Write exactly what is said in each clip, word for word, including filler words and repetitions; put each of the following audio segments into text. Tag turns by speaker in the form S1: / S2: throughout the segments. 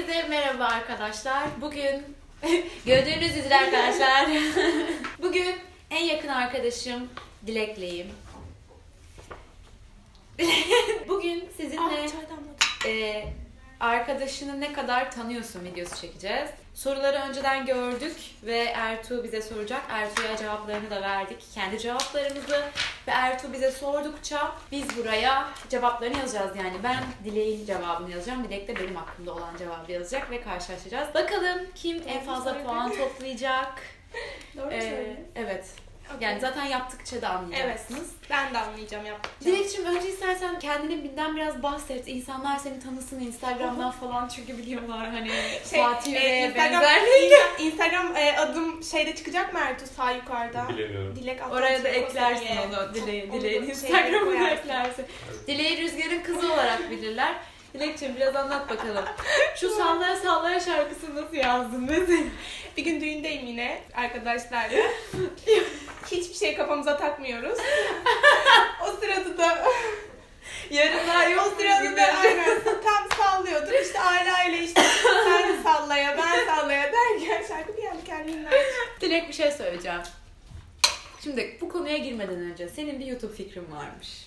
S1: Herkese merhaba arkadaşlar. Bugün gördüğünüz üzere arkadaşlar. Bugün en yakın arkadaşım Dilek'leyim. Bugün sizinle e, arkadaşını ne kadar tanıyorsun videosu çekeceğiz. Soruları önceden gördük ve Ertuğ bize soracak. Ertuğ'a cevaplarını da verdik. Kendi cevaplarımızı ve Ertuğ bize sordukça biz buraya cevaplarını yazacağız. Yani ben Dilek'in cevabını yazacağım. Dilek de benim hakkımda olan cevabı yazacak ve karşılaşacağız. Bakalım kim
S2: Doğru
S1: en fazla
S2: söyledin.
S1: puan toplayacak.
S2: Doğru
S1: Ee,
S2: söyledin.
S1: evet.
S2: Okay.
S1: Yani zaten yaptıkça da anlayacaksınız.
S2: Evet, ben de anlayacağım yaptıkça.
S1: Dilekçim önce istersen kendini binden biraz bahset. İnsanlar seni tanısın Instagram'dan falan çünkü biliyorlar hani
S2: Şey,
S1: Fatih
S2: e,
S1: ve
S2: Instagram,
S1: benzer.
S2: Insta- Instagram e, adım şeyde çıkacak mı Ertuğ sağ yukarıda?
S3: Bilemiyorum.
S2: Dilek
S1: Oraya da
S2: Atlantik
S1: eklersin
S2: Koseli'ye.
S1: onu. Dileğin,
S2: Onu
S1: Dileğin
S2: da
S1: Instagram'ına
S2: şeylere
S1: eklersin. Dileği Rüzgar'ın kızı olarak bilirler. Dilekçim biraz anlat bakalım. Şu Sallaya Sallaya şarkısını nasıl yazdın mesela?
S2: Bir gün düğündeyim yine arkadaşlarla. Hiçbir şey kafamıza takmıyoruz. O sırada da
S1: Yarınlar
S2: o
S1: yok
S2: sırada da aynen tam sallıyordum. İşte Ala ile işte sen sallaya ben sallaya derken şarkı bir anda kendiliğinden çıktı.
S1: Dilek bir şey söyleyeceğim. Şimdi bu konuya girmeden önce senin bir YouTube fikrin varmış.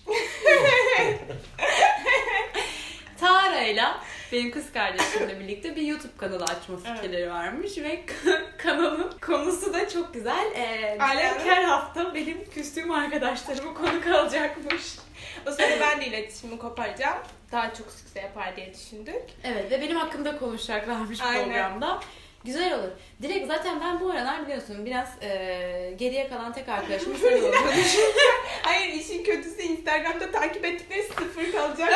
S1: Tara'yla benim kız kardeşimle birlikte bir YouTube kanalı açma fikirleri
S2: Evet.
S1: varmış ve kanalın konusu da çok güzel. Ee,
S2: Aynen.
S1: Dilek her hafta benim küstüğüm arkadaşlarımı konuk alacakmış.
S2: O sırada ben de iletişimi koparacağım. Daha çok sükse yapar diye düşündük.
S1: Evet ve benim hakkımda konuşacaklarmış
S2: Aynen.
S1: programda. Güzel olur. Direkt zaten ben bu aralar biliyorsun biraz e, geriye kalan tek arkadaşım sen olduğunu düşünüyorum.
S2: Hayır işin kötüsü Instagram'da takip ettikleri sıfır kalacak.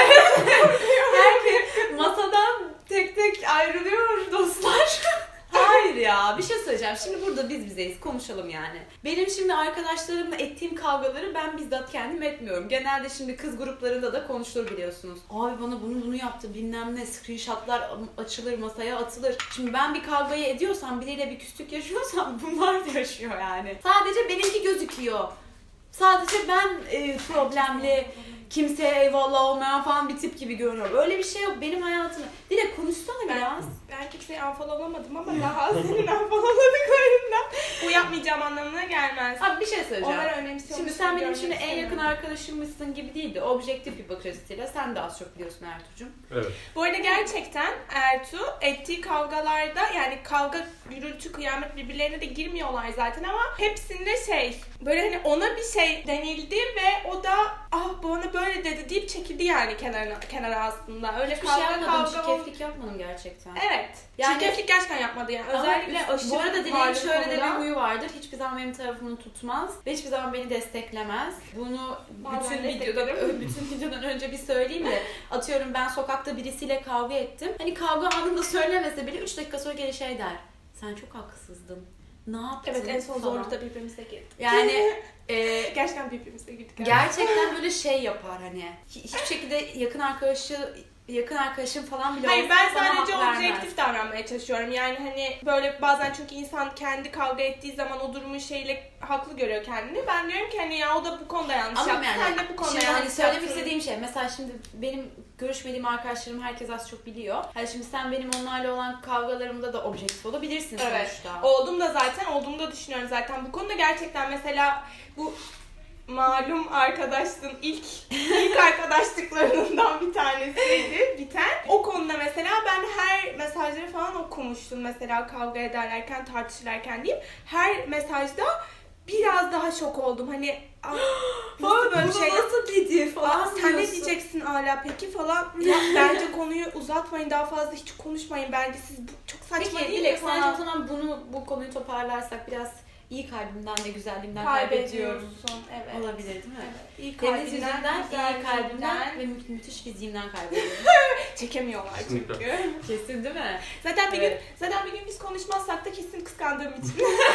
S1: Herkes masadan tek tek ayrılıyor dostlar. Hayır ya bir şey söyleyeceğim. Şimdi burada biz bizeyiz konuşalım yani. Benim şimdi arkadaşlarımla ettiğim kavgaları ben bizzat kendim etmiyorum. Genelde şimdi kız gruplarında da konuşulur biliyorsunuz. Abi bana bunu bunu yaptı bilmem ne screenshotlar açılır masaya atılır. Şimdi ben bir kavgayı ediyorsam biriyle bir küslük yaşıyorsam bunlar da yaşıyor yani. Sadece benimki gözüküyor. Sadece ben e, problemli, kimseye eyvallah olmayan falan bir tip gibi görünüyorum. Öyle bir şey yok benim hayatımda. Dilek konuşsana
S2: Ben,
S1: biraz.
S2: ben kimseyi unfollowlamadım ama daha senin unfollowladıklarından bu yapmayacağım anlamına gelmez.
S1: Abi bir şey söyleyeceğim.
S2: Onları önemsiyormuş.
S1: Şimdi sen benim şimdi
S2: görmek
S1: en yakın
S2: istemiyorum.
S1: arkadaşımmışsın gibi değil de objektif bir bakış açısıyla sen de az çok biliyorsun Ertuğ'cum.
S3: Evet.
S2: Bu arada gerçekten Ertuğ ettiği kavgalarda yani kavga, gürültü, kıyamet birbirlerine de girmiyorlar zaten ama hepsinde şey böyle hani ona bir şey denildi ve o da ah bana böyle dedi deyip çekildi yani kenara, kenara aslında. Öyle
S1: Hiçbir
S2: kavga
S1: şey yapmadım,
S2: kavga ol-
S1: çirkeflik yapmadım gerçekten.
S2: Evet.
S1: Yani-
S2: Çirkeflik gerçekten yapmadı yani. Özellikle
S1: Ama
S2: aşırı
S1: bu arada Dilek'in
S2: varlık
S1: şöyle de bir
S2: konuda-
S1: huyu vardır. Hiçbir zaman benim tarafımı tutmaz ve hiçbir zaman beni desteklemez. Bunu
S2: Bazen
S1: bütün videoda,
S2: desteklerim.
S1: bütün videodan önce bir söyleyeyim de atıyorum ben sokakta birisiyle kavga ettim. Hani kavga anında söylemese bile üç dakika sonra geri şey der. Sen çok haksızdın. Ne yaptın?
S2: Evet en son
S1: falan.
S2: zorlukta birbirimize girdik.
S1: Yani e,
S2: Gerçekten birbirimize girdik. yani.
S1: gerçekten böyle şey yapar hani. Hi- Hiçbir şekilde yakın arkadaşı yakın arkadaşım falan bile
S2: Hayır
S1: olsa
S2: ben
S1: bana
S2: sadece
S1: hak vermez.
S2: objektif davranmaya çalışıyorum. Yani hani böyle bazen çünkü insan kendi kavga ettiği zaman o durumun şeyle haklı görüyor kendini. Ben diyorum ki hani ya o da bu konuda yanlış
S1: Ama
S2: yaptı.
S1: yani
S2: Sen de bu konuda
S1: şimdi
S2: yanlış
S1: hani söylemek
S2: yaptın.
S1: istediğim şey mesela şimdi benim görüşmediğim arkadaşlarım herkes az çok biliyor. Hani şimdi sen benim onlarla olan kavgalarımda da objektif olabilirsin
S2: Evet.
S1: sonuçta.
S2: Oldum da zaten olduğumu da düşünüyorum zaten. Bu konuda gerçekten mesela bu malum arkadaşlığın ilk ilk arkadaşlıklarından bir tanesiydi biten. O konuda mesela ben her mesajları falan okumuştum mesela kavga ederlerken tartışırlarken diyeyim. Her mesajda biraz daha şok oldum. Hani "Aa, nasıl böyle bir şey
S1: nasıl dedi
S2: Aa, sen ne diyeceksin hala peki falan. Ya, bence konuyu uzatmayın daha fazla hiç konuşmayın bence siz bu çok saçma
S1: Peki
S2: değil
S1: Dilek
S2: mi
S1: sence
S2: falan.
S1: o zaman bunu bu konuyu toparlarsak biraz iyi kalbimden ve güzelliğimden kaybediyorum.
S2: Kaybediyorsun. Evet.
S1: Olabilir değil mi?
S2: Evet. İyi
S1: Deniz
S2: kalbinden,
S1: yüzünden,
S2: güzel
S1: iyi kalbimden
S2: yüzünden.
S1: ve mü- müthiş fiziğimden kaybediyorum.
S2: Çekemiyorlar
S3: Kesinlikle.
S2: çünkü.
S1: Kesin değil mi?
S2: Zaten bir
S1: Evet.
S2: gün zaten bir gün biz konuşmazsak da kesin kıskandığım için.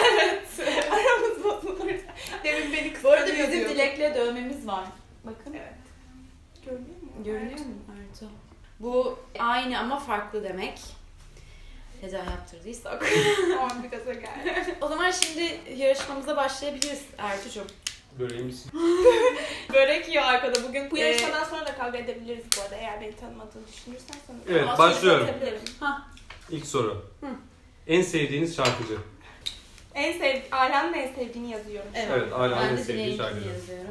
S2: Aramız bozulur. Demin beni
S1: Bu
S2: kıskanıyor
S1: arada bizim
S2: diyordun.
S1: Dilek'le dövmemiz var. Bakın.
S2: Evet. Görünüyor mu?
S1: Görünüyor mu Ertuğ? Bu aynı ama farklı demek. Neden yaptırdıysak.
S2: Tamam bir gaza geldi.
S1: O zaman şimdi yarışmamıza başlayabiliriz Ertuğ'cum.
S3: Böreği misin?
S1: Börek yiyor arkada bugün.
S2: Bu
S1: Ee,
S2: yarışmadan sonra da kavga edebiliriz bu arada eğer beni tanımadığını düşünürsen sonra.
S3: Evet,
S1: ama
S3: başlıyorum.
S1: sonra atabilirim. Hah.
S3: İlk soru.
S1: Hı.
S3: En sevdiğiniz şarkıcı.
S2: En sev Alan'ın en sevdiğini yazıyorum.
S3: Evet, hala
S1: ben
S3: en
S1: de
S3: sevdiği
S1: Dileğinkini
S3: şarkıcı.
S1: yazıyorum.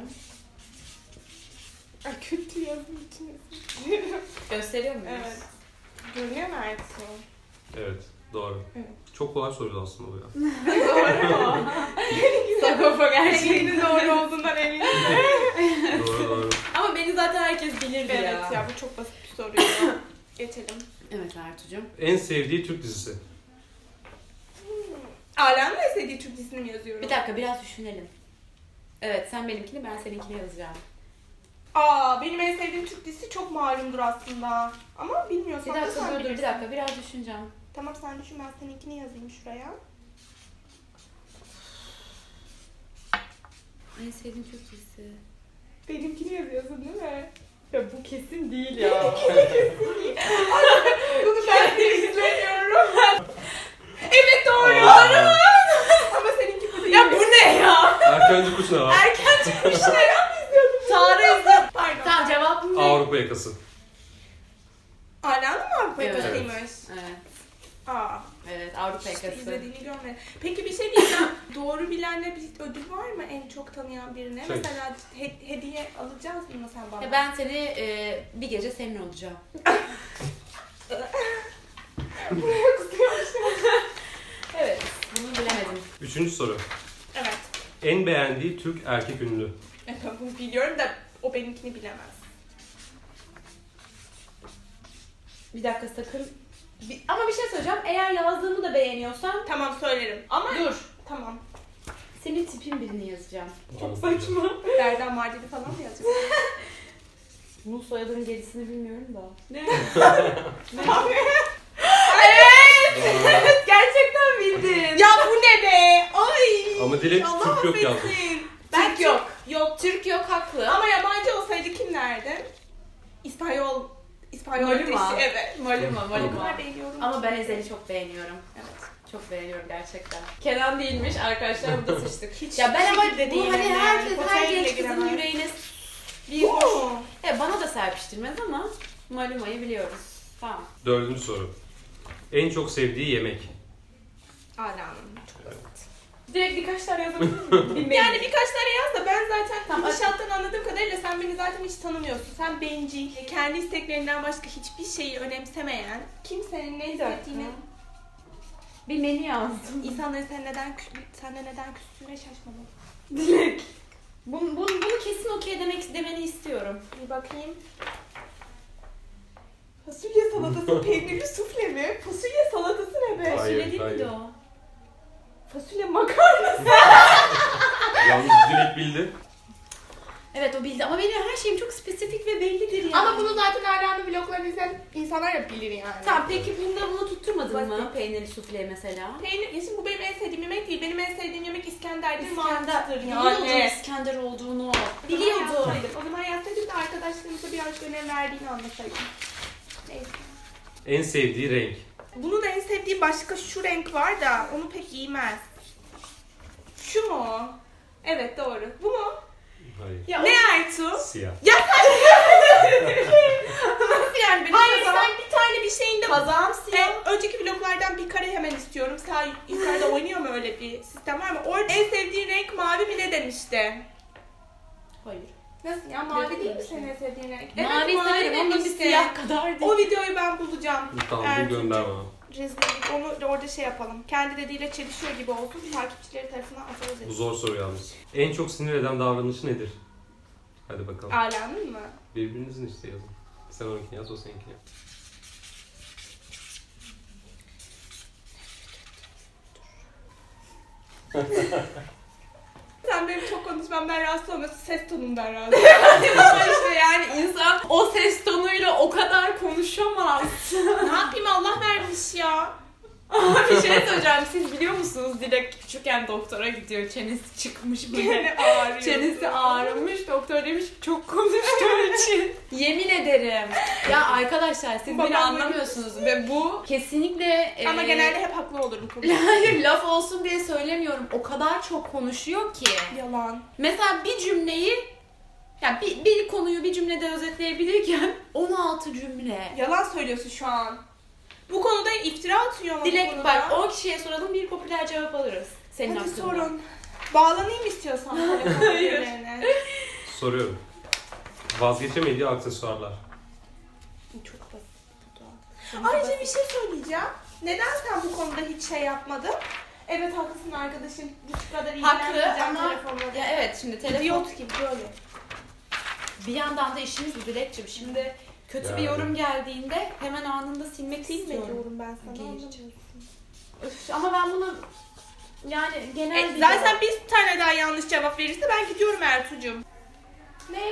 S2: Ay, kötü yazım için.
S1: Gösteriyor muyuz?
S2: Evet. Görünüyor mu Ertuğ?
S3: Evet, doğru.
S2: Evet.
S3: Çok kolay soruydu aslında bu ya.
S2: Doğru mu?
S1: Sagopa gerçekten.
S2: Senin doğru olduğundan eminim.
S3: Doğru doğru.
S1: Ama beni zaten herkes bilirdi
S2: Evet
S1: ya.
S2: ya bu çok basit bir soruydu. Geçelim.
S1: Evet Ertuğ'cum.
S3: En sevdiği Türk dizisi.
S2: Alan'ın en sevdiği Türk dizisini mi yazıyorum?
S1: Bir dakika biraz düşünelim. Evet sen benimkini ben seninkini yazacağım.
S2: Aa benim en sevdiğim Türk dizisi çok malumdur aslında. Ama
S1: Bir
S2: bilmiyorsan da
S1: dakika
S2: sen
S1: dur dur bir
S2: bilirsin.
S1: dakika biraz düşüneceğim.
S2: Tamam sen düşün ben seninkini yazayım şuraya.
S1: En sevdiğim Türk dizisi.
S2: Benimkini yazıyorsun değil mi?
S1: Ya bu kesin değil ya.
S2: Bunu ben de izlemiyorum. Evet doğru.
S3: Aa,
S2: Ama seninki bu değil.
S1: Ya bu ne ya?
S3: Erkenci kuş ne var?
S1: Erken çıkmışlar. Tarih izle.
S2: Pardon.
S1: Tamam cevabım ne?
S3: Avrupa yakası.
S2: Alan'ın mı Avrupa
S1: Evet.
S2: yakasıymış?
S1: Evet.
S2: Aa.
S1: Evet Avrupa
S2: İşte
S1: yakası.
S2: izlediğini görmedim. Peki bir şey diyeceğim. Doğru bilenle bir ödül var mı en çok tanıyan birine?
S3: Şey.
S2: Mesela he- hediye alacağız mı sen bana?
S1: Ya ben seni e, bir gece senin olacağım.
S2: Buraya kusuyormuşum.
S1: Evet. Bunu bilemedim.
S3: Üçüncü soru.
S2: Evet.
S3: En beğendiği Türk erkek ünlü.
S2: Evet, bunu biliyorum da o benimkini bilemez.
S1: Bir dakika sakın. Bir- ama bir şey söyleyeceğim. Eğer yazdığımı da beğeniyorsan
S2: Tamam söylerim. Ama
S1: dur.
S2: tamam.
S1: Senin tipin birini yazacağım.
S2: Çok saçma. Derda Mardin'i falan mı yazacağız?
S1: Bunun soyadının gerisini bilmiyorum da. Ne?
S3: Doğru.
S1: Evet gerçekten bildin.
S2: Ya bu ne be? Ay.
S3: Ama Dilek
S2: Allah
S3: Türk yok yazmış.
S2: affetsin.
S1: Ben
S2: Türk
S1: yok.
S2: Yok.
S1: Türk yok haklı.
S2: Ama yabancı olsaydı kimlerdi? İspanyol. İspanyol
S1: Maluma.
S2: ateşi, evet.
S1: Maluma,
S2: O
S1: Maluma.
S2: kadar beğeniyorum.
S1: Ama ben Ezel'i çok beğeniyorum.
S2: Evet.
S1: Çok beğeniyorum gerçekten. Kenan değilmiş arkadaşlar burada sıçtık.
S2: Hiç
S1: Ya ben ama
S2: şekilde
S1: bu
S2: değilim
S1: hani
S2: yani.
S1: herkes
S2: Potaya
S1: her
S2: bile
S1: genç kızın
S2: giremez.
S1: yüreğine bir
S2: Bu
S1: hoş.
S2: mu?
S1: Ya bana da serpiştirmez ama Maluma'yı biliyoruz. Tamam.
S3: Dördüncü soru. En çok sevdiği yemek.
S2: Alanım. Çok basit.
S1: Direkt birkaç tane yazabilir miyim?
S2: Yani birkaç tane yaz da ben zaten
S1: Tamam.
S2: gidişattan anladığım kadarıyla sen beni zaten hiç tanımıyorsun. Sen bencil, kendi isteklerinden başka hiçbir şeyi önemsemeyen, kimsenin ne hissettiğini,
S1: Bir menü yazdım.
S2: insanların sen neden kü- senden neden küstüğüne şaşmadım.
S1: Dilek. Bunu, bunu, bunu kesin okey demek demeni istiyorum.
S2: Bir bakayım. Fasulye salatası peynirli sufle mi? Fasulye salatası ne be?
S3: Hayır,
S1: Fasulye değil
S3: hayır.
S1: miydi o?
S2: Fasulye makarnası.
S3: Yalnız Dilek bildi.
S1: Evet o bildi ama benim her şeyim çok spesifik ve bellidir yani.
S2: Ama bunu zaten Alan'ın vloglarını izleyen insanlar da bilir yani.
S1: Tamam peki bunda bunu tutturmadın mı?
S2: Basit.
S1: Peynirli sufle mesela.
S2: Peynir, ya şimdi bu benim en sevdiğim yemek değil. Benim en sevdiğim yemek İskender'dir.
S1: İskender.
S2: mantıdır
S1: Biliyordum
S2: yani.
S1: İskender olduğunu.
S2: Biliyordum.
S1: Biliyordum.
S2: O zaman yazsaydım da arkadaşlarımıza birazcık önem verdiğini anlasaydım. Neyse.
S3: En sevdiği renk.
S2: Bunun en sevdiği başka şu renk var da onu pek giymez. Şu mu? Evet doğru. Bu mu?
S3: Hayır.
S1: Ya
S2: Ne Ertuğ?
S3: Siyah.
S2: Ya sen
S1: nasıl yani benim
S2: hayır
S1: kazağım-
S2: sen bir tane bir şeyinde
S1: Kazağım siyah.
S2: E, önceki vloglardan bir kare hemen istiyorum. Sağ yukarıda oynuyor mu öyle bir sistem var mı? Orada en sevdiğin renk mavi mi ne demişti?
S1: Hayır.
S2: Nasıl ya? Mavi
S1: Dedim
S2: değil mi
S1: öyle
S2: senin
S1: şey.
S2: en sevdiğin renk?
S1: Mavi severim ama bir
S2: demişti.
S1: siyah kadar değil.
S2: O videoyu ben bulacağım.
S3: Tamam
S2: Ertuğ.
S3: bu gönder bana.
S2: Rezillik. Onu orada şey yapalım. Kendi dediğiyle çelişiyor gibi olsun. Takipçileri tarafından atarız.
S3: Bu
S2: ederiz.
S3: zor soru yalnız. En çok sinir eden davranışı nedir? Hadi bakalım.
S2: Alanın mı?
S3: Birbirinizin işte yazın. Sen onunkini yaz, o seninkini yaz.
S2: Sen benim çok konuşmamdan rahatsız olmasın. Ses tonundan rahatsız.
S1: Ama işte yani insan o ses tonuyla o kadar konuşamaz.
S2: Ne yapayım Allah vermiş ya.
S1: Ama bir şey söyleyeceğim. Siz biliyor musunuz Dilek küçükken doktora gidiyor. Çenesi çıkmış böyle.
S2: Gene ağrıyor.
S1: Çenesi ağrımış. Doktor demiş çok konuştuğu için. Yemin ederim. Ya arkadaşlar siz
S2: Babam
S1: beni anlamıyorsunuz ve bu kesinlikle
S2: Ama
S1: e,
S2: genelde hep haklı olurum konuşurken.
S1: hayır laf olsun diye söylemiyorum. O kadar çok konuşuyor ki.
S2: Yalan.
S1: Mesela bir cümleyi yani bir, bir konuyu bir cümlede özetleyebilirken on altı cümle.
S2: Yalan söylüyorsun şu an. Bu konuda iftira atıyor ama bu
S1: Dilek
S2: konuda.
S1: bak on kişiye soralım bir popüler cevap alırız. Senin
S2: Hadi
S1: hakkında.
S2: sorun. Bağlanayım istiyorsan telefon
S1: Hayır.
S2: birbirine.
S3: Soruyorum. Vazgeçemediği aksesuarlar.
S2: Çok basit bu da. Ayrıca bir şey söyleyeceğim. Neden sen bu konuda hiç şey yapmadın? Evet haklısın arkadaşım. Bu kadar
S1: Haklı
S2: ilgilenmeyeceğim
S1: ama
S2: telefonla.
S1: ya evet şimdi telefon
S2: İdiot gibi böyle.
S1: bir yandan da işimiz bu Dilekçim. Şimdi kötü bir
S3: Yani.
S1: yorum geldiğinde hemen anında silmek istiyorum.
S2: Bilmiyorum ben sana.
S1: Geç.
S2: anlamıyorsun.
S1: Üf, ama ben bunu yani genel
S2: E,
S1: bir
S2: zaten
S1: cevap-
S2: bir tane daha yanlış cevap verirse ben gidiyorum Ertuğ'cum. Ne?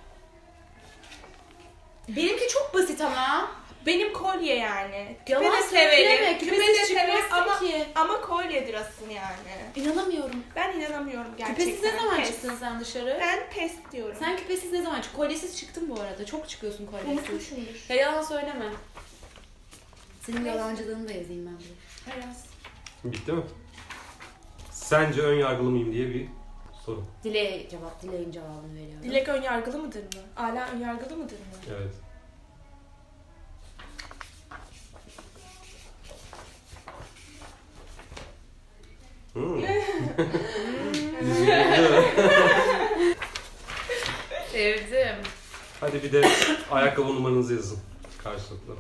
S1: benimki çok basit ama.
S2: Benim kolye yani. Küpe
S1: Yalan
S2: de
S1: söyleme,
S2: severim. Küpe
S1: küpesiz
S2: de severim
S1: çıkmazsın
S2: ama,
S1: ki.
S2: ama kolyedir asıl yani.
S1: İnanamıyorum.
S2: Ben inanamıyorum gerçekten.
S1: Küpesiz ne zaman
S2: Pes.
S1: çıktın sen dışarı?
S2: Ben pes diyorum.
S1: Sen küpesiz ne zaman çıktın? Kolyesiz çıktın bu arada. Çok çıkıyorsun kolyesiz.
S2: Unutmuşumdur.
S1: Ya yalan söyleme. Senin yalancılığını da yazayım ben buraya.
S2: Biraz.
S3: Bitti mi? Sence ön yargılı mıyım diye bir soru.
S1: Dileğe cevap, Dileğin cevabını veriyorum.
S2: Dilek önyargılı mıdır mı? Ala önyargılı mıdır mı?
S3: Evet. Hmm.
S1: Sevdim.
S3: Hadi bir de ayakkabı numaranızı yazın karşılıklı.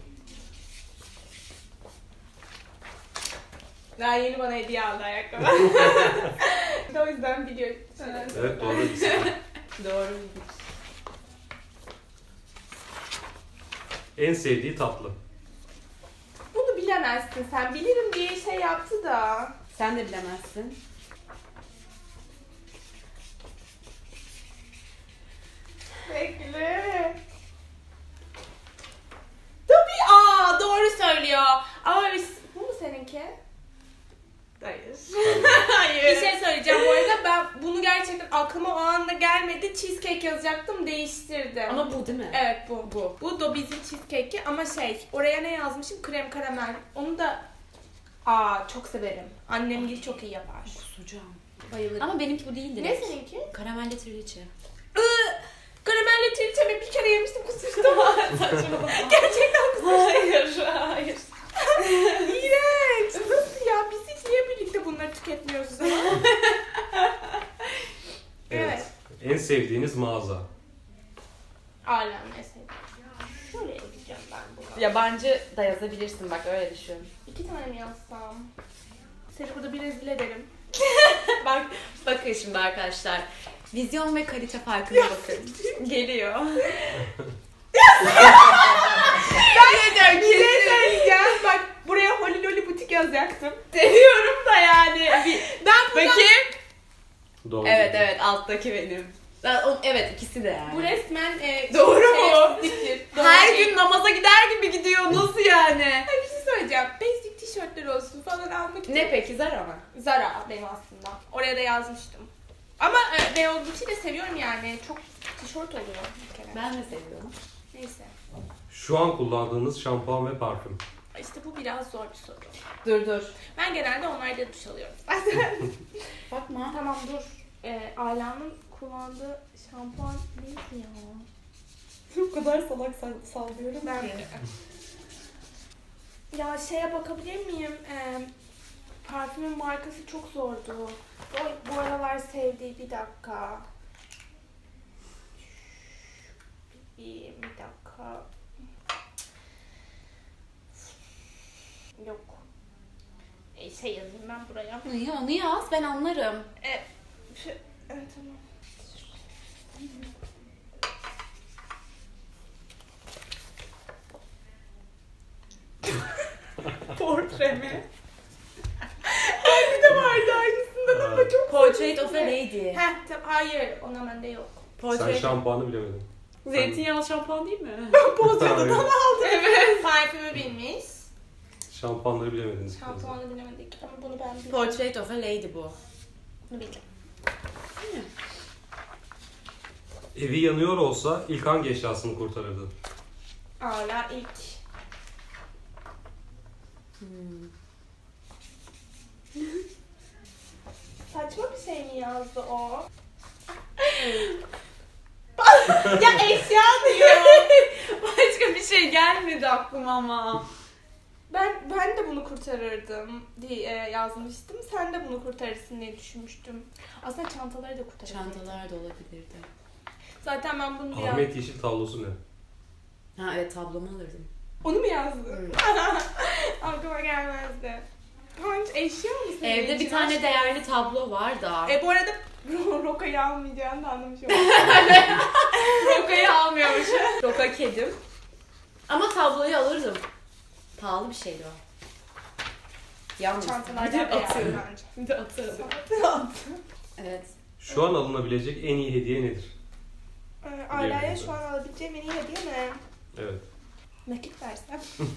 S2: Daha yeni bana hediye aldı ayakkabı. O yüzden biliyorum.
S3: Evet doğru.
S1: Doğru.
S3: En sevdiği tatlı.
S2: Bunu bilemezsin sen. Bilirim diye şey yaptı da.
S1: Sen de bilemezsin.
S2: Bekle. Tabii aa doğru söylüyor. Ama biz, bu mu seninki?
S1: Hayır.
S2: Bir şey söyleyeceğim bu arada ben bunu gerçekten aklıma o anda gelmedi. Cheesecake yazacaktım değiştirdim.
S1: Ama bu değil mi?
S2: Evet bu. Bu. Bu da bizim cheesecake'i ama şey oraya ne yazmışım? Krem karamel. Onu da aa çok severim. Annem gibi çok iyi yapar.
S1: Kusacağım.
S2: Bayılırım.
S1: Ama benimki bu değildi.
S2: Ne seninki?
S1: Karamelli trileçe.
S2: Iı, Karamelli trilçemi bir kere yemiştim kusmuştum. Gerçekten kusmuştum.
S1: Hayır, hayır.
S2: İğrenç. Nasıl ya? Biz hiç niye birlikte bunları tüketmiyoruz o zaman? Evet.
S3: En sevdiğiniz mağaza.
S2: Alem mesela. Şöyle yazacağım ben bunu.
S1: Yabancı da yazabilirsin bak öyle düşün.
S2: İki tane mi yazsam? Seni burada bir rezil ederim.
S1: Bak, bakın şimdi arkadaşlar. Vizyon ve kalite farkına bakın. Geliyor.
S2: Ben bir şey söyleyeceğim. Bak buraya Holy Loli butik yazacaktım.
S1: Seviyorum da yani. Bir...
S2: Ben buna...
S1: Bakayım.
S3: Doğru.
S1: Evet evet alttaki benim. Ben- o- Evet ikisi de yani.
S2: Bu resmen e,
S1: Doğru mu?
S2: şerefsizliktir. Doğru
S1: Her
S2: değil.
S1: gün namaza gider gibi gidiyor. Nasıl yani?
S2: Ay, bir şey söyleyeceğim. Basic tişörtler olsun falan almak için.
S1: Ne peki Zara mı?
S2: Zara benim aslında. Oraya da yazmıştım. Ama e, Beyaz Butiği de seviyorum yani. Çok tişört oluyor bir kere.
S1: Ben de seviyorum.
S2: Neyse.
S3: Şu an kullandığınız şampuan ve parfüm.
S2: İşte bu biraz zor bir soru.
S1: Dur dur.
S2: Ben genelde onlarda duş alıyorum.
S1: Bakma.
S2: Tamam dur. E, Ayla'nın kullandığı şampuan neydi ya?
S1: O kadar salak sallıyorum
S2: Ben Ya şeye bakabilir miyim? Ee, parfümün markası çok zordu. O bu aralar sevdiği bir dakika. Bir, bir dakika. Yok. E, şey yazayım ben buraya.
S1: Onu, onu yaz ben anlarım.
S2: E, şu, evet, tamam. Portre mi? Ay bir de vardı aynısından ama çok
S1: Portrait of a Lady.
S2: Heh, tamam, hayır ona bende yok.
S3: Sen
S1: Portrait.
S3: şampuanı bilemedin.
S1: Zeytinyağlı şampuan değil mi?
S3: Hayır.
S2: aldım. Evet. Parfümü bilmiş.
S3: Şampuanları bilemediniz.
S2: Şampuanı bilemedik ama bunu ben bildim.
S1: Portrait of a Lady bu.
S2: Bunu bildim.
S3: Evi yanıyor olsa ilk hangi eşyasını kurtarırdı?
S2: Hala ilk.
S1: Hmm.
S2: Saçma bir şey mi yazdı o? Ya eşya diyor.
S1: Başka bir şey gelmedi aklıma ama.
S2: Ben ben de bunu kurtarırdım diye e, yazmıştım. Sen de bunu kurtarırsın diye düşünmüştüm. Aslında çantaları da kurtarırdım.
S1: Çantalar da olabilirdi.
S2: Zaten ben bunu bir
S3: Ahmet Yeşil tablosu ne?
S1: Ha evet, tablomu alırdım.
S2: Onu mu yazdın?
S1: Hı.
S2: Aklıma gelmezdi. Punch eşya mı senin
S1: Evde bir
S2: için?
S1: tane değerli tablo var da.
S2: E bu arada Roka'yı almayacağını da anlamış oldum.
S1: Roka'yı almıyormuş. Roka kedim. Ama tabloyu alırdım. Pahalı bir şeydi o. Yalnız.
S2: Çantalardan
S1: Bir de
S2: da
S1: atıyorum.
S2: yani bence.
S1: Bir de atarım.
S2: Evet.
S1: Evet.
S3: Şu an alınabilecek en iyi hediye nedir?
S2: Ee, Aileye şu an alabileceğim en iyi hediye ne?
S3: Evet.
S2: Nakit versem.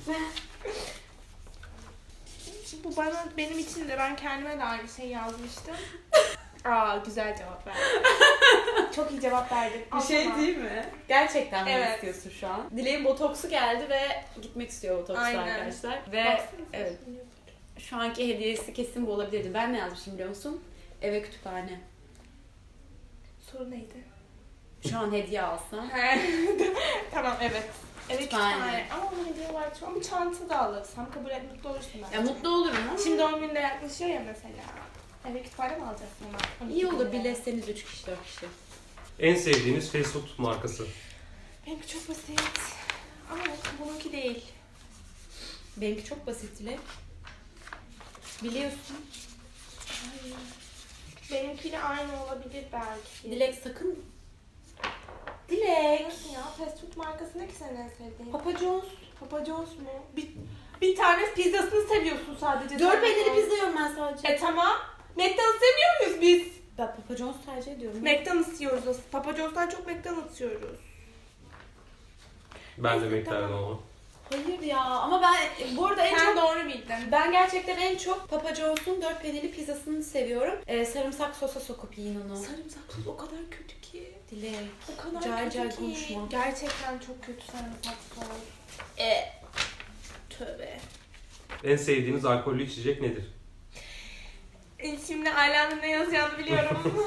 S2: Şimdi bu bana, benim için de ben kendime de aynı şey yazmıştım. Aa güzel cevap verdin. Çok iyi cevap verdin.
S1: Bir şey değil mi? Gerçekten mi
S2: Evet.
S1: istiyorsun şu an? Dileğin botoksu geldi ve gitmek istiyor botoksla
S2: Aynen.
S1: arkadaşlar. Ve evet, şu anki hediyesi kesin bu olabilirdi. Ben ne yazmışım biliyor musun? Eve kütüphane.
S2: Soru neydi?
S1: Şu an hediye alsam.
S2: Tamam evet. Evet
S1: Kütüphane.
S2: kütüphane. Ama onun hediye var. Ama çanta da alırsam kabul et, mutlu olursun bence.
S1: Ya mutlu olurum ama.
S2: Şimdi doğum günü de yaklaşıyor ya mesela. Eve kütüphane mi alacaksın ama?
S1: iyi olur, birleşseniz üç kişi dört kişi.
S3: En sevdiğiniz fast food markası?
S2: Benimki çok basit. Ama bununki değil.
S1: Benimki çok basit Dilek. Biliyorsun.
S2: Hayır. Benimkiyle aynı olabilir belki.
S1: Dilek sakın. Dilek.
S2: Nasıl ya? Fast food markası ne ki senin en sevdiğin?
S1: Papa John's.
S2: Papa John's mu? Bir, bir tane pizzasını seviyorsun sadece.
S1: Dört
S2: Sen
S1: peynirli
S2: o-
S1: pizza yiyorum ben sadece.
S2: E tamam. McDonald's sevmiyor muyuz biz?
S1: Ben Papa John's tercih ediyorum.
S2: McDonald's yiyoruz aslında. Papa John's'tan çok McDonald's yiyoruz.
S3: Ben de
S2: Neyse,
S3: beklerdim
S2: tamam.
S3: ama.
S1: Hayır ya, ama ben bu arada en
S2: Sen
S1: çok
S2: doğru bildin.
S1: ben gerçekten en çok Papa John's'un dört peynirli pizzasını seviyorum. Ee, sarımsak sosa sokup yiyin onu.
S2: Sarımsaksız o kadar kötü ki.
S1: Dilek.
S2: O kadar
S1: Cay
S2: kötü
S1: cay
S2: ki.
S1: konuşma.
S2: Gerçekten çok kötü sarımsaksız. E. Tövbe.
S3: En sevdiğiniz alkollü içecek nedir?
S2: E, Şimdi Ayla'nın ne yazacağını biliyorum.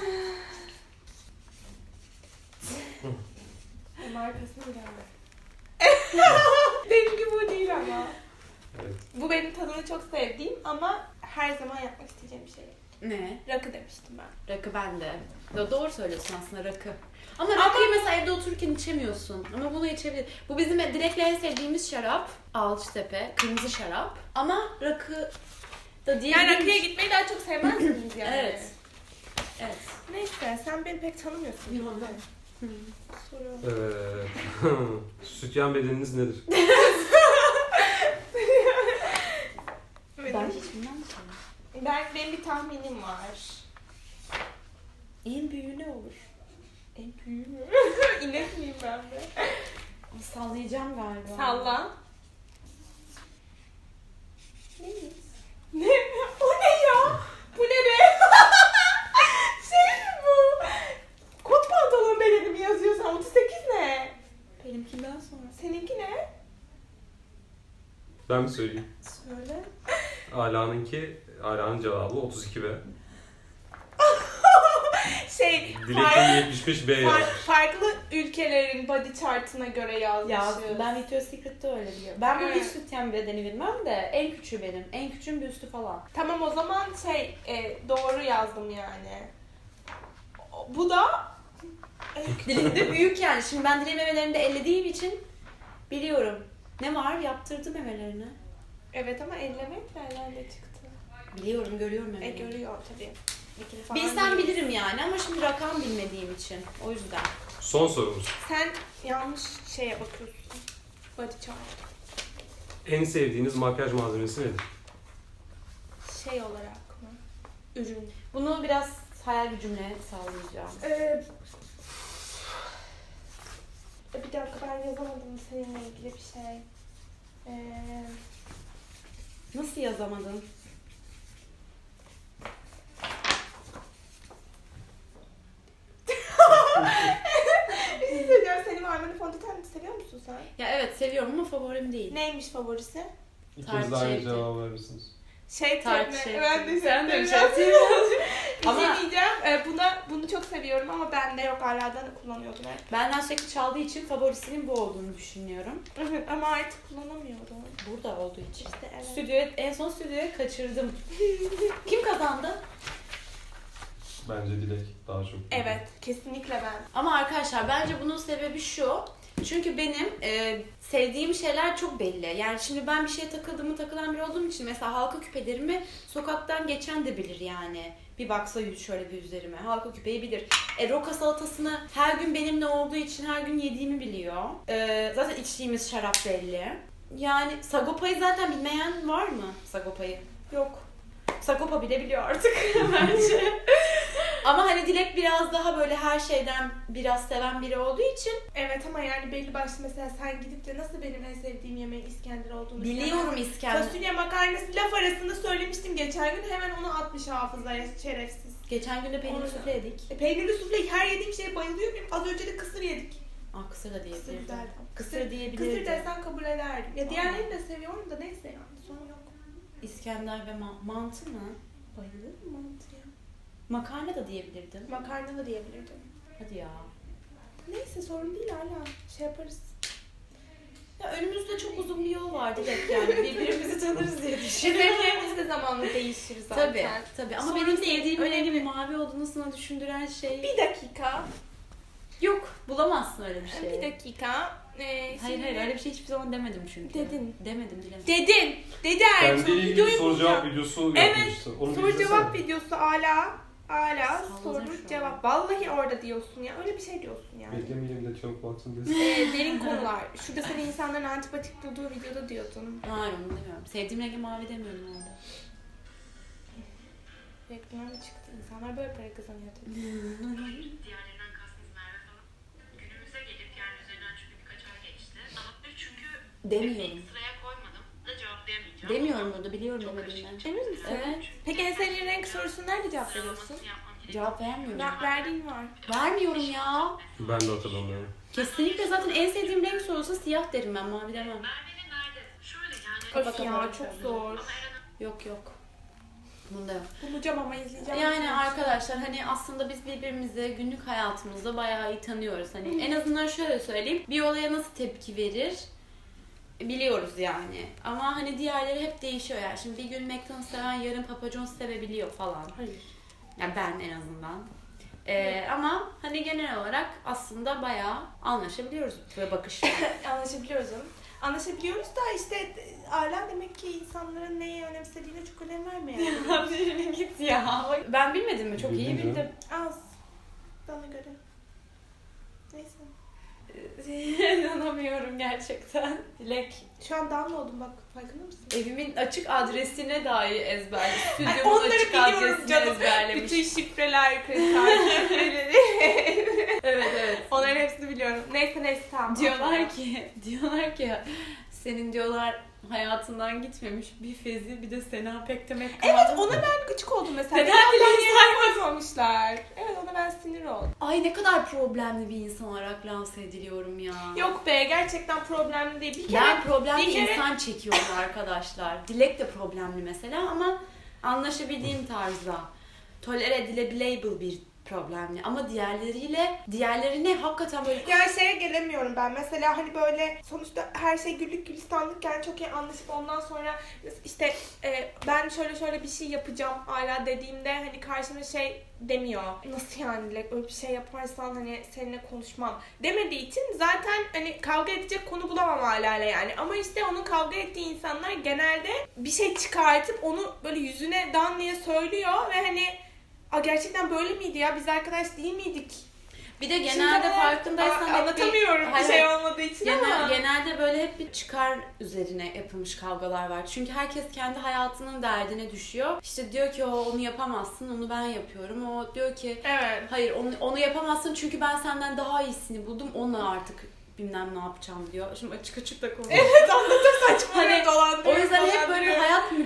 S2: E, Markasını bilemem. Benimki bu değil ama.
S3: Evet.
S2: Bu benim tadını çok sevdiğim ama her zaman yapmak isteyeceğim bir şey.
S1: Ne?
S2: Rakı demiştim ben.
S1: Rakı bende. Do- doğru söylüyorsun aslında, rakı. Ama rakıyı mesela evde otururken içemiyorsun. Ama bunu içebilir. Bu bizim Dilek'le en sevdiğimiz şarap. Alçıtepe. Kırmızı şarap. Ama rakı da değil.
S2: Yani rakıya gitmeyi daha çok sevmez misiniz yani?
S1: Evet. Evet.
S2: Neyse sen beni pek tanımıyorsun.
S1: Yok. Hı.
S2: Soru.
S3: Evet. Sütyen bedeniniz nedir?
S1: Ben hiç bilmem ki.
S2: Ben, benim bir tahminim var.
S1: En büyüğü ne olur?
S2: En büyüğü mü? İnek miyim ben de?
S1: Sallayacağım galiba.
S2: Salla. Neyiz? Ne? O ne ya? Bu ne be? Şey mi bu? Kot pantolon bedeni mi yazıyorsan? otuz sekiz ne?
S1: Benimkinden sonra.
S2: Seninki ne?
S3: Ben mi söyleyeyim?
S2: Söyle.
S3: Ala'nınki, Ala'nın cevabı otuz iki B.
S2: Şey,
S3: Dilek'ten yetmiş beş B
S2: far-
S3: yazmış.
S2: farklı ülkelerin body chart'ına göre yazmışız.
S1: Ya ben Victoria's Secret'ta öyle biliyorum. Ben bu
S2: Evet.
S1: hiç sütyen bedeni bilmem de en küçüğü benim. En küçüğün bir üstü falan.
S2: Tamam o zaman şey e, doğru yazdım yani. O- Bu da
S1: Dilim de büyük yani. Şimdi ben dilim memelerinde ellediğim için biliyorum. Ne var? Yaptırdı memelerini.
S2: evet ama ellemek nereden çıktı?
S1: Biliyorum, görüyorum
S2: E
S1: memelerini.
S2: görüyor tabii. Bir kere falan
S1: Bilsem
S2: değil.
S1: bilirim yani ama şimdi rakam bilmediğim için. O yüzden.
S3: Son sorumuz.
S2: Sen yanlış şeye bakıyorsun. Body chart.
S3: En sevdiğiniz makyaj malzemesi nedir?
S2: Şey olarak mı? Ürün.
S1: Bunu biraz hayal gücümle sağlayacağım.
S2: Ee, bir dakika ben yazamadım seninle ilgili bir şey. Ee,
S1: Nasıl yazamadın?
S2: bir şey söyleyeceğim. Senin Armani fondöten seviyor musun sen?
S1: Ya evet seviyorum ama favorim değil.
S2: Neymiş favorisi?
S3: İkiniz de
S1: Tart
S3: aynı
S1: şeydi.
S3: cevabı verir misiniz?
S2: Şey
S1: Tart
S2: tabii.
S1: şey.
S2: Ben de
S1: Sen de bir
S2: şey
S1: şey
S2: Bir
S1: Ama-
S2: şey diyeceğim. Ee, buna, bunu çok seviyorum ama bende yok, hala da kullanıyordum hep.
S1: Benden sürekli çaldığı için favorisinin bu olduğunu düşünüyorum.
S2: Evet ama artık kullanamıyorum.
S1: Burada olduğu için.
S2: İşte evet.
S1: Stüdyoya, en son stüdyoya kaçırdım. Kim kazandı?
S3: Bence Dilek daha çok.
S2: Evet, kesinlikle ben.
S1: Ama arkadaşlar bence bunun sebebi şu. Çünkü benim e, sevdiğim şeyler çok belli. Yani şimdi ben bir şeye takıldığımı takılan biri olduğum için mesela halka küpelerimi sokaktan geçen de bilir yani. Bir baksa yüz şöyle bir üzerime. Halka küpeyi bilir. E, roka salatasını her gün benimle olduğu için her gün yediğimi biliyor. E, zaten içtiğimiz şarap belli. Yani Sagopa'yı zaten bilmeyen var mı? Sagopa'yı. Yok. Sagopa bile biliyor artık bence. Ama hani Dilek biraz daha böyle her şeyden biraz seven biri olduğu için
S2: Evet ama yani belli başlı mesela sen gidip de nasıl benim en sevdiğim yemeğin İskender olduğunu
S1: biliyorum
S2: söylemezsin.
S1: İskender.
S2: Fasulye makarnası laf arasında söylemiştim geçen gün, hemen onu atmış hafızaya, şerefsiz.
S1: Geçen gün de peynir
S2: Orada.
S1: sufle yedik.
S2: E, peynirli sufle her yediğim şeye bayılıyor muyum? Az önce de kısır yedik.
S1: Aa, kısır da
S2: Kısır
S1: diyebilirdim.
S2: güzeldi.
S1: Kısır diyebilirdim.
S2: Kısır desen kabul ederdim. Ya diğerlerini de seviyorum da neyse yani sorun yok.
S1: İskender ve ma- mantı mı?
S2: Bayılırım mantıya.
S1: Makarna da diyebilirdim.
S2: Makarna da diyebilirdim.
S1: Hadi ya.
S2: Neyse sorun değil, hala şey yaparız.
S1: Ya önümüzde çok uzun bir yol var Dilek yani. Birbirimizi tanırız diye düşünüyorum.
S2: Zevklerimiz de zamanla değişir zaten.
S1: Tabii, tabii. Ama
S2: Sorun
S1: benim
S2: değil,
S1: sevdiğim
S2: önemli.
S1: rengin mavi olduğunu sana düşündüren şey...
S2: Bir dakika.
S1: Yok, bulamazsın öyle bir şey.
S2: Bir dakika. Ee,
S1: Hayır
S2: şimdi-
S1: hayır öyle bir şey hiçbir zaman demedim çünkü.
S2: Dedin.
S1: Demedim dilemedim.
S2: Dedin. Dedi Ertuğrul.
S3: Bendeyle ilgili
S2: Videoyu
S3: soru cevap
S2: bulacağım.
S3: videosu
S2: Evet,
S3: yapmıştı. Onu bir
S2: soru
S3: izlesene.
S2: cevap videosu hala. Hala
S1: Salladın
S2: soru
S1: şu an.
S2: cevap. Vallahi orada diyorsun ya. Öyle bir şey diyorsun yani.
S3: Beklemeyelim de çok baksın desin.
S2: Ee, derin konular. Şurada seni insanların antipatik bulduğu videoda diyordun.
S1: Hayır onu demiyorum. Sevdiğim rengi mavi demiyorum orada.
S2: Reklam çıktı. İnsanlar böyle para kazanıyor tabii.
S4: Diğerlerinden kastınız Merve falan. Günümüze gelip yani üzerinden çünkü birkaç ay geçti. Daha çünkü
S1: Demiyorum.
S4: ilk sıraya koymadım da cevaplayamayacağım.
S1: Demiyorum burada biliyorum
S4: Çok
S1: demediğimden.
S4: karışık, çok
S2: Emin misin?
S4: güzel.
S1: Evet.
S4: Çünkü
S2: Peki en sevdiğin renk sorusunu nerede cevap veriyorsun?
S4: sıralamasını yapmam gerekiyor.
S1: Cevap vermiyorum.
S2: Ver, verdiğin var.
S1: Vermiyorum ya.
S3: Ben de hatırlamıyorum.
S1: Kesinlikle zaten en sevdiğim renk sorulsa siyah derim ben, mavi demem.
S4: Merve'nin nerede? Şöyle yani.
S1: Kafa
S2: Öf ya
S1: kafa
S2: çok
S1: bakıyorum.
S2: zor.
S4: Ama Eren'in
S1: Yok yok. Bunda yok.
S2: Bulacağım ama izleyeceğim.
S1: Yani arkadaşlar hani aslında biz birbirimizi günlük hayatımızda bayağı iyi tanıyoruz. Hani en azından şöyle söyleyeyim. Bir olaya nasıl tepki verir biliyoruz yani. Ama hani diğerleri hep değişiyor yani. Şimdi bir gün McDonald's seven yarın Papa John's sevebiliyor falan.
S2: Hayır.
S1: Yani ben en azından. Ee, ama hani genel olarak aslında bayağı anlaşabiliyoruz ve bakışta.
S2: Anlaşabiliyoruz canım. Anlaşabiliyoruz da işte hala demek ki insanların neyi önemsediğine çok önem vermeyen.
S1: Git ya. Ben bilmedim mi? Çok iyi
S3: Bildin canım.
S1: bildim.
S2: Az. Bana göre. Neyse.
S1: İnanamıyorum gerçekten. Dilek,
S2: Şu an down oldum bak, farkında mısın?
S1: evimin açık adresine dahi ezberlemiş.
S2: Ay,
S1: Stüdyomun
S2: onları
S1: açık
S2: biliyorum
S1: adresini
S2: canım.
S1: ezberlemiş.
S2: Bütün şifreler, kriter şifreleri.
S1: Evet evet.
S2: Onların hepsini biliyorum. Neyse neyse tamam.
S1: Diyorlar ki, diyorlar ki senin diyorlar hayatından gitmemiş bir Fezi bir de Sena Pektemek kaldı.
S2: Evet ona ben gıcık oldum mesela.
S1: Neden
S2: Neden
S1: dileği
S2: yerine koymamışlar? Evet ona ben sinir oldum.
S1: Ay ne kadar problemli bir insan olarak lanse ediliyorum ya.
S2: Yok be, gerçekten problemli değil. Bir kere
S1: Ben problemli
S2: bir kere-
S1: insan çekiyorum arkadaşlar. Dilek de problemli mesela ama anlaşabildiğim tarzda. Tolere edilebilir bir problemli ama diğerleriyle diğerlerine hakikaten böyle
S2: yani şeye gelemiyorum ben. Mesela hani böyle sonuçta her şey güllük gülistanlıkken çok iyi anlaşıp ondan sonra işte e, ben şöyle şöyle bir şey yapacağım hala dediğimde hani karşıma şey demiyor. Nasıl yani Dilek, öyle bir şey yaparsan hani seninle konuşmam demediği için zaten hani kavga edecek konu bulamam hala yani. Ama işte onun kavga ettiği insanlar genelde bir şey çıkartıp onu böyle yüzüne dan diye söylüyor ve hani "Aa, gerçekten böyle miydi ya? Biz arkadaş değil miydik?"
S1: bir de
S2: Şimdi
S1: genelde
S2: ama-
S1: farkındaysan
S2: Aa,
S1: hep bir-
S2: anlatamıyorum bir
S1: Hayır,
S2: şey
S1: hayır.
S2: olmadığı için
S1: Genel,
S2: ama.
S1: genelde böyle hep bir çıkar üzerine yapılmış kavgalar var. Çünkü herkes kendi hayatının derdine düşüyor. İşte diyor ki o onu yapamazsın, onu ben yapıyorum. O diyor ki
S2: Evet.
S1: hayır onu, onu yapamazsın çünkü ben senden daha iyisini buldum. Onunla artık bilmem ne yapacağım diyor. Şimdi açık açık da konuşuyor.
S2: Evet anlatır saçma
S1: Hani,
S2: hani, dolandırıyor.
S1: O yüzden hep böyle
S2: dolandırıyor.
S1: hayat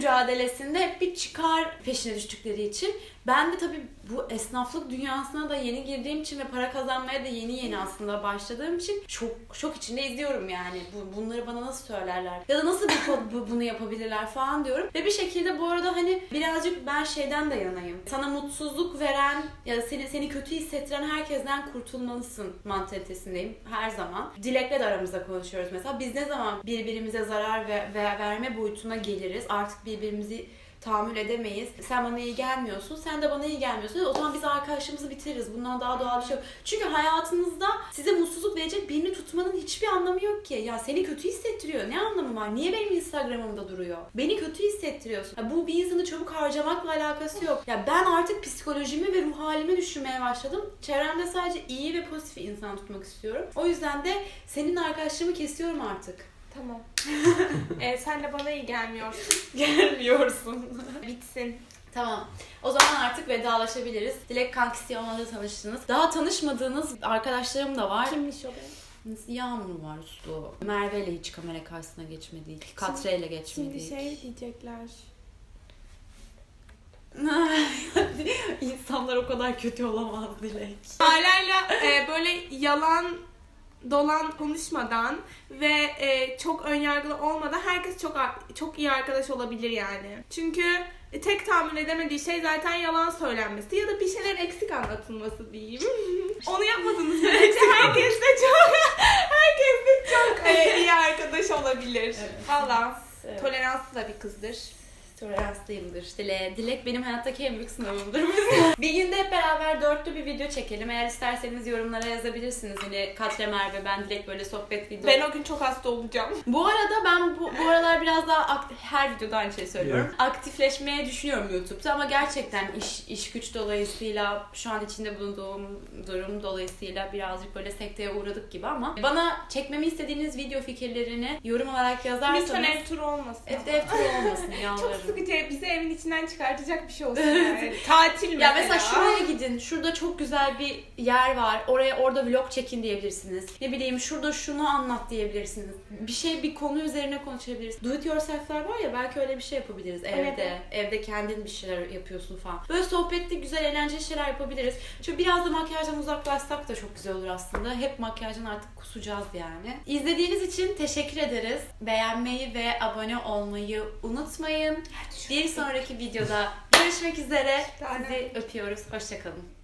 S1: mücadelesinde hep bir çıkar peşine düştükleri için ben de tabii bu esnaflık dünyasına da yeni girdiğim için ve para kazanmaya da yeni yeni aslında başladığım için şok, şok içinde izliyorum yani. Bu, bunları bana nasıl söylerler? Ya da nasıl bu, bu, bunu yapabilirler falan diyorum. Ve bir şekilde bu arada hani birazcık ben şeyden de yanayım. Sana mutsuzluk veren ya da seni, seni kötü hissettiren herkesten kurtulmalısın mantalitesindeyim her zaman. Dilek'le de aramızda konuşuyoruz mesela. Biz ne zaman birbirimize zarar ve, ve verme boyutuna geliriz? Artık birbirimizi tahammül edemeyiz. Sen bana iyi gelmiyorsun, sen de bana iyi gelmiyorsun. O zaman biz arkadaşlığımızı bitiririz. Bundan daha doğal bir şey yok. Çünkü hayatınızda size mutsuzluk verecek birini tutmanın hiçbir anlamı yok ki. Ya seni kötü hissettiriyor. Ne anlamı var? Niye benim Instagram'ımda duruyor? Beni kötü hissettiriyorsun. Ya bu bir insanı çabuk harcamakla alakası yok. Ya ben artık psikolojimi ve ruh halimi düşünmeye başladım. Çevremde sadece iyi ve pozitif insan tutmak istiyorum. O yüzden de senin arkadaşlığımı kesiyorum artık.
S2: Tamam. ee, sen de bana iyi gelmiyorsun.
S1: Gelmiyorsun.
S2: Bitsin.
S1: Tamam. O zaman artık vedalaşabiliriz. Dilek kankisi olmadı tanıştınız. Daha tanışmadığınız arkadaşlarım da var.
S2: Kimmiş o benim?
S1: Yağmur var, Uslu. Merve ile hiç kamera karşısına geçmedi. Katre ile geçmedi.
S2: Şimdi şey diyecekler.
S1: İnsanlar o kadar kötü olamaz Dilek.
S2: Aileyle e, böyle yalan dolan konuşmadan ve e, çok önyargılı olmadan herkes çok çok iyi arkadaş olabilir yani. Çünkü e, tek tahammül edemediği şey zaten yalan söylenmesi ya da bir şeyler eksik anlatılması diyeyim. Onu yapmadığınız sürece herkes de çok herkes de çok e, iyi arkadaş olabilir.
S1: Evet.
S2: Valla
S1: Evet.
S2: toleranslı da bir kızdır.
S1: Toleranslıyımdır. Dilek. Dilek benim hayattaki en büyük sınavımdır. Bir günde hep beraber dörtlü bir video çekelim. Eğer isterseniz yorumlara yazabilirsiniz. Hani Katre, Merve, ben Dilek böyle sohbet video.
S2: Ben o gün çok hasta olacağım.
S1: Bu arada ben bu, bu aralar biraz daha aktif, her videoda aynı şeyi söylüyorum.
S3: Evet.
S1: Aktifleşmeye düşünüyorum YouTube'da ama gerçekten iş iş güç dolayısıyla şu an içinde bulunduğum durum dolayısıyla birazcık böyle sekteye uğradık gibi ama bana çekmemi istediğiniz video fikirlerini yorum olarak yazarsanız
S2: Lütfen ev turu olmasın.
S1: Evde ev turu olmasın
S2: Çok
S1: yalvarırım.
S2: sıkıcı, bizi evin içinden çıkartacak bir şey olsun yani. Tatil mesela.
S1: Ya mesela şuraya gidin, şurada çok güzel bir yer var, oraya orada vlog çekin diyebilirsiniz. Ne bileyim şurada şunu anlat diyebilirsiniz. Bir şey, bir konu üzerine konuşabiliriz. Do it yourself'ler var ya, belki öyle bir şey yapabiliriz evde.
S2: Evet.
S1: Evde kendin bir şeyler yapıyorsun falan. Böyle sohbetli, güzel, eğlenceli şeyler yapabiliriz. Çünkü biraz da makyajdan uzaklaşsak da çok güzel olur aslında. Hep makyajdan artık kusacağız yani. İzlediğiniz için teşekkür ederiz. Beğenmeyi ve abone olmayı unutmayın. Bir sonraki videoda görüşmek üzere. Sizi öpüyoruz. Hoşça kalın.